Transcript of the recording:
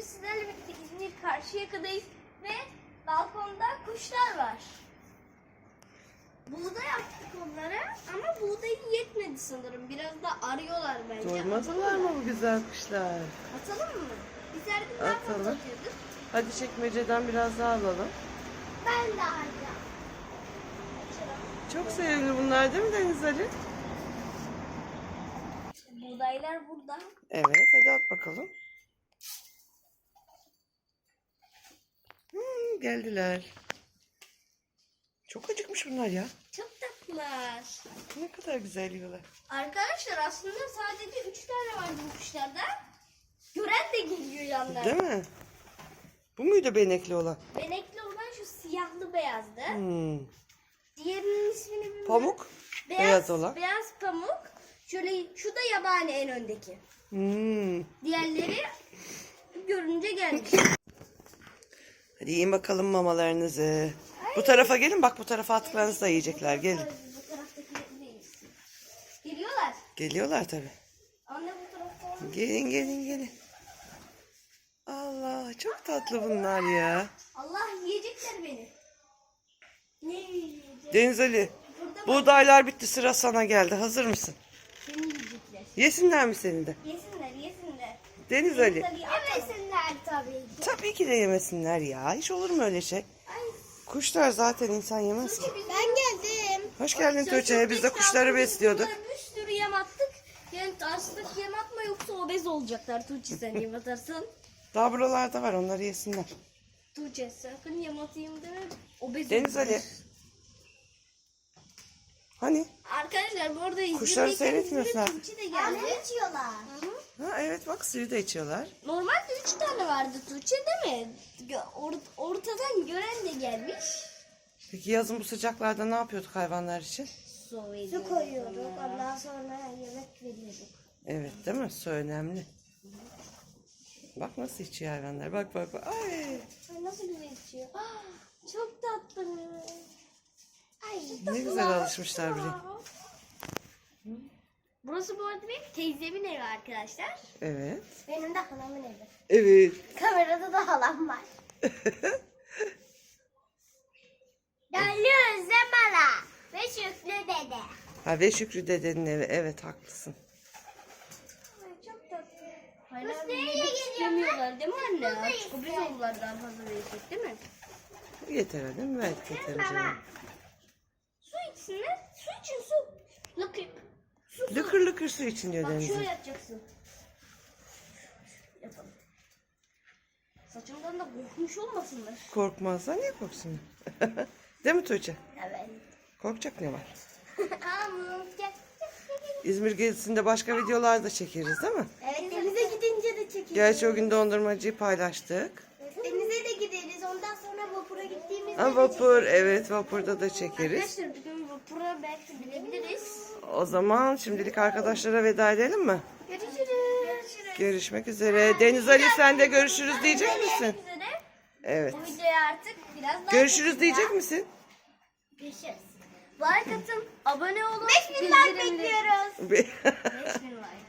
bugün sizlerle birlikte İzmir Karşıyaka'dayız ve balkonda kuşlar var. Buğday attık onlara ama buğday yetmedi sanırım. Biraz da arıyorlar bence. Doymadılar mı bu güzel kuşlar? Atalım mı? Biz her gün daha fazla Atalım. atıyorduk. Hadi çekmeceden biraz daha alalım. Ben de alacağım. Çok sevimli bunlar değil mi Deniz Ali? Buğdaylar burada. Evet, hadi at bakalım. Geldiler. Çok acıkmış bunlar ya. Çok tatlılar. Ne kadar güzel yiyorlar. Arkadaşlar aslında sadece 3 tane vardı bu kuşlarda. Gören de geliyor yanlarına. Değil mi? Bu muydu benekli olan? Benekli olan şu siyahlı beyazdı. Diğerinin ismini bilmiyorum. Pamuk? Beyaz olan. Beyaz pamuk. Şöyle şu da yabani en öndeki. Diğerleri görünce gelmiş. Hadi yiyin bakalım mamalarınızı. Bu tarafa gelin, bak bu tarafa attıklarınızı da yiyecekler. Gelin. Bu taraftakilerdeyiz. Geliyorlar. Geliyorlar tabii. Anne bu tarafta. Gelin gelin gelin. Allah, çok tatlı bunlar ya. Allah yiyecekler beni. Ne yiyecek? Deniz Ali, Burada buğdaylar bitti, sıra sana geldi. Hazır mısın? seni yiyecekler. Yesinler mi seni de? Yesinler yesinler. Deniz Ali. Yemesinler tabii ki. Tabii ki de yemesinler ya. Hiç olur mu öyle şey? Ay, Kuşlar zaten insan yemez ki. ben geldim. Hoş geldin Tuğçe. Biz de kuşları besliyorduk. Bir sürü yem attık. Yani aslında yem atma yoksa obez olacaklar. Tuğçe sen yem atarsın. Daha buralarda var, onları yesinler. Tuğçe sakın yem atayım deme. Obez Deniz olurlar. Ali. Hani? Arkadaşlar bu arada Kuşları seyretmiyorsun ha. Tuğçe de geldi. içiyorlar. Ha, evet bak, suyu da içiyorlar. Normalde 3 tane vardı Tuğçe değil mi? Ortadan gören de gelmiş. Peki yazın bu sıcaklarda ne yapıyorduk hayvanlar için? Su koyuyorduk. Ondan sonra yemek veriyorduk. Evet değil mi? Su önemli. Bak nasıl içiyor hayvanlar. Bak bak bak. Ay. Ay, nasıl güzel içiyor. Ah, çok tatlı. Ay, Ne güzel alışmışlar buraya. Burası bu arada benim teyzemin evi arkadaşlar. Evet. Benim de halamın evi. Evet. Kamerada da halam var. Geliyoruz Zemala ve Şükrü dede. Ha, ve Şükrü dedenin evi. Evet, haklısın. Ay, çok tatlı. Hala yemek istemiyorlar değil mi anne? Artık biz oldular daha fazla verecek değil mi? Yeter hadi mi? Evet, yeter canım. Su içsinler. Su için su. Lıkır. Su. Lıkır lıkır su için diyor Bak Deniz'in. şöyle yapacaksın. Yapalım. Saçımdan da korkmuş olmasınlar. Korkmazsa niye korksun? Değil mi Tuğçe? Evet. Korkacak ne var? Gel. İzmir gezisinde başka videolar da çekeriz değil mi? Evet denize gidince de çekeriz. Gerçi o gün dondurmacıyı paylaştık. Denize de gideriz. Ondan sonra vapura gittiğimizde Ha, vapur, evet, vapurda da çekeriz. Arkadaşlar bugün vapura belki bilebiliriz. O zaman şimdilik arkadaşlara veda edelim mi? Görüşürüz. Görüşmek üzere. Deniz Ali, sen de görüşürüz diyecek misin? Evet. Bu videoya artık biraz daha Görüşürüz diyecek misin? Görüşürüz. Like atın, abone olun. 5000 like bekliyoruz. 5000 like.